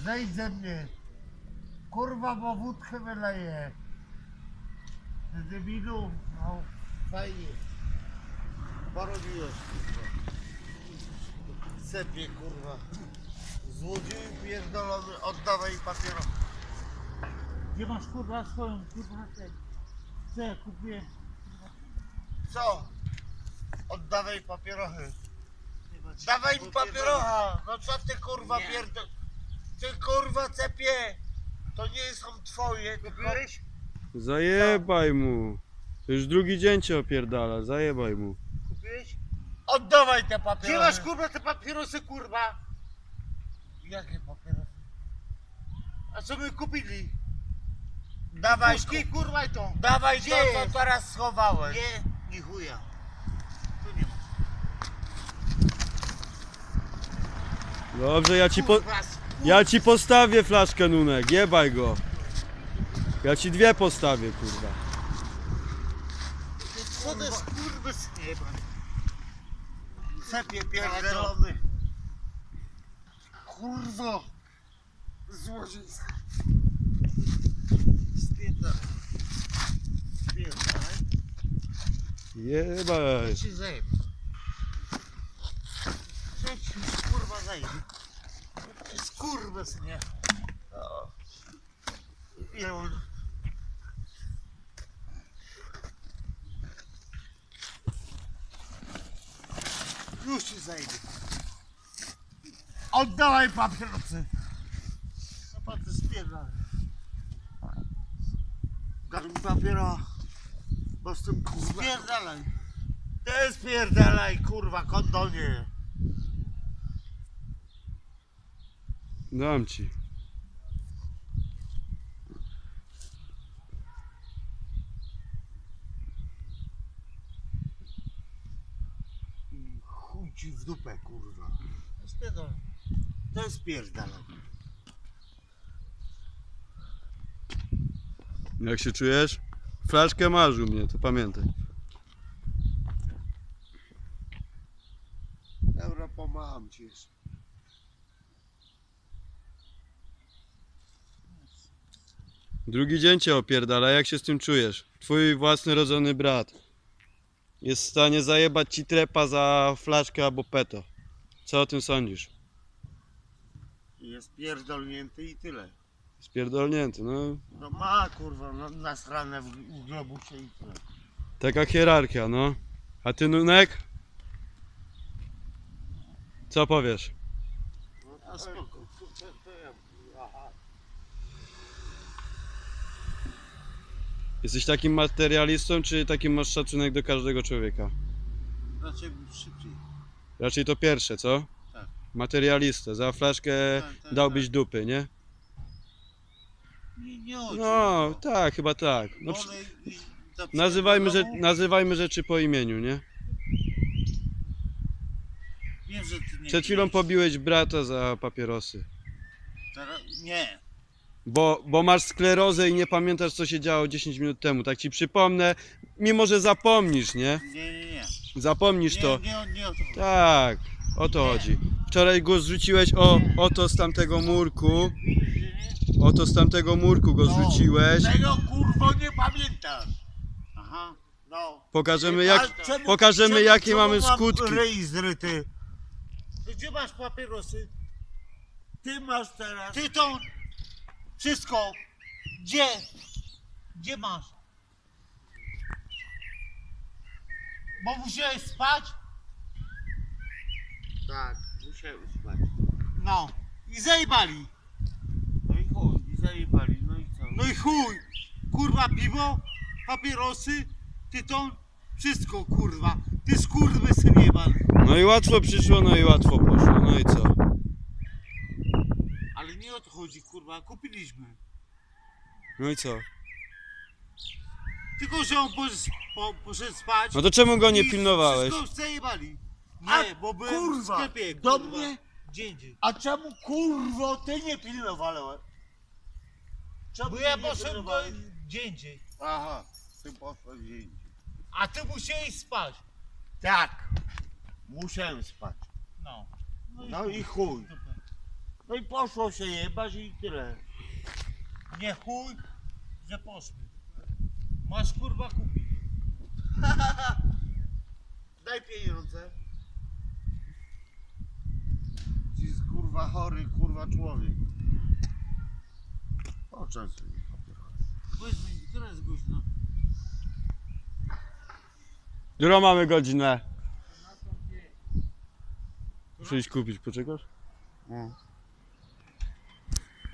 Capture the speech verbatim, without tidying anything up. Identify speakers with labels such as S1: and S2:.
S1: Zejdź ze mnie. Kurwa, bo wódkę wyleje. Z debilu. No, fajnie. Porobiłeś, kurwa. Sepie, kurwa. Złodzieju pierdolony, oddawaj papieros.
S2: Gdzie masz kurwa swoją kurwa ten? Co ja kupiłem?
S1: Co? Oddawaj papierochy. Dawaj mi papierocha! No co ty kurwa pierdol... Ty kurwa cepie! To nie są twoje, kupiłeś?
S3: Zajebaj mu. To już drugi dzień cię opierdala, zajebaj mu.
S1: Kupiłeś? Oddawaj te papierosy!
S2: Gdzie masz kurwa te papierosy kurwa?
S1: Jakie papierosy?
S2: A co my kupili?
S1: Dawaj,
S2: Puszki kurwa i to.
S1: dawaj
S2: Gdzie
S1: to, co
S2: jest?
S1: teraz schowałeś.
S2: Nie, ni chuja. Tu nie ma.
S3: Dobrze, ja ci po...
S2: Kurwa,
S3: Ja ci postawię flaszkę, Nunek, jebaj go. Ja ci dwie postawię, kurwa.
S2: Co to jest kurwa synieba?
S1: Cepie pierdolony. Kurwo! Złodziej. Spierdalaj. Spierdalaj.
S3: Jebaj.
S1: Ci zajebę. Co ci kurwa zajebę? Skurwysynie. O. Jol. Już ci zajebę. Oddawaj papierosy. Co ty spierdalaj? Daj mi papiera. Bo z tym kurwa. Spierdalaj. Ty spierdalaj, kurwa, kondonie.
S3: Dam ci.
S1: Chuj ci w dupę, kurwa. Spierdalaj. To spierdalaj.
S3: Jak się czujesz? Flaszkę masz u mnie, to pamiętaj.
S1: Dobra, pomagam ci jeszcze.
S3: Drugi dzień cię opierdala, jak się z tym czujesz? Twój własny rodzony brat jest w stanie zajebać ci trepa za flaszkę albo peto. Co o tym sądzisz?
S1: Jest pierdolnięty i tyle.
S3: Spierdolnięty, no.
S1: No ma, kurwa, no, nasrane w, w globusie i tyle.
S3: Taka hierarchia, no. A ty, Nunek? Co powiesz?
S1: No, a spoko.
S3: Jesteś takim materialistą, czy takim masz szacunek do każdego człowieka?
S1: Raczej szybciej.
S3: Raczej to pierwsze, co?
S1: Tak.
S3: Materialista. Za flaszkę
S1: Tak, tak,
S3: dałbyś
S1: tak.
S3: dupy, nie?
S1: Nie, nie chodzi.
S3: No, tak, chyba tak. No, przy-
S1: Wolę iść do
S3: nazywajmy, że,
S1: psychologu.
S3: nazywajmy rzeczy po imieniu, nie?
S1: Wiem, że ty nie
S3: Przed chwilą
S1: wiesz.
S3: pobiłeś brata za papierosy.
S1: Teraz, nie.
S3: Bo, bo masz sklerozę i nie pamiętasz, co się działo dziesięć minut temu. Tak ci przypomnę, mimo że zapomnisz, nie?
S1: Nie, nie, nie.
S3: Zapomnisz
S1: Nie,
S3: to.
S1: nie, nie, nie o to chodzi.
S3: Tak, o to
S1: Nie.
S3: chodzi. Wczoraj go zrzuciłeś o, oto z tamtego murku.
S1: Widzisz, że nie?
S3: Oto z tamtego murku go
S1: No,
S3: zrzuciłeś.
S1: Tego kurwo nie pamiętasz.
S2: Aha.
S1: No.
S3: Pokażemy,
S1: Ale
S3: jak,
S1: czemu-
S3: pokażemy
S1: czemu-
S3: jakie
S1: czemu
S3: mamy
S1: mam
S3: skutki.
S1: Ryj zryty. To gdzie masz papierosy? Ty masz teraz.
S2: Ty to wszystko. Gdzie? Gdzie masz? Bo musiałeś spać?
S1: Tak, musiałem spać.
S2: No. I zajebali.
S1: No i chuj, i zajebali, no i co?
S2: No i chuj. Kurwa piwo, papierosy, tyton, wszystko kurwa. Ty skurwysyn jebany.
S3: No i łatwo przyszło, no i łatwo poszło. No i co?
S2: Ale nie o to chodzi kurwa, kupiliśmy.
S3: No i co?
S2: Tylko, że on poszedł, po, poszedł spać.
S3: No to czemu go nie
S2: i
S3: pilnowałeś?
S2: Wszystko zajebali. Nie,
S1: A,
S2: bo byłem
S1: kurwa,
S2: w sklepie.
S1: do
S2: kurwa,
S1: mnie?
S2: Gdzie indziej.
S1: A czemu kurwo ty nie pilnowałeś? Czemu
S2: Bo
S1: ty
S2: ja
S1: nie
S2: poszedłem do,
S1: pilnowałeś?
S2: gdzie indziej.
S1: Aha, ty poszłeś gdzie indziej.
S2: A ty musiałeś spać.
S1: Tak, musiałem spać.
S2: No.
S1: No i chuj. No i poszło się jebać i tyle. Nie chuj, że poszły. Masz kurwa kupić. Daj pieniądze. Ci jest kurwa chory, kurwa człowiek. Poczęstuj mi papierosy.
S2: Powiedz mi, która jest godzina?
S3: Którą mamy godzinę? Muszę iść kupić, poczekasz?
S1: No.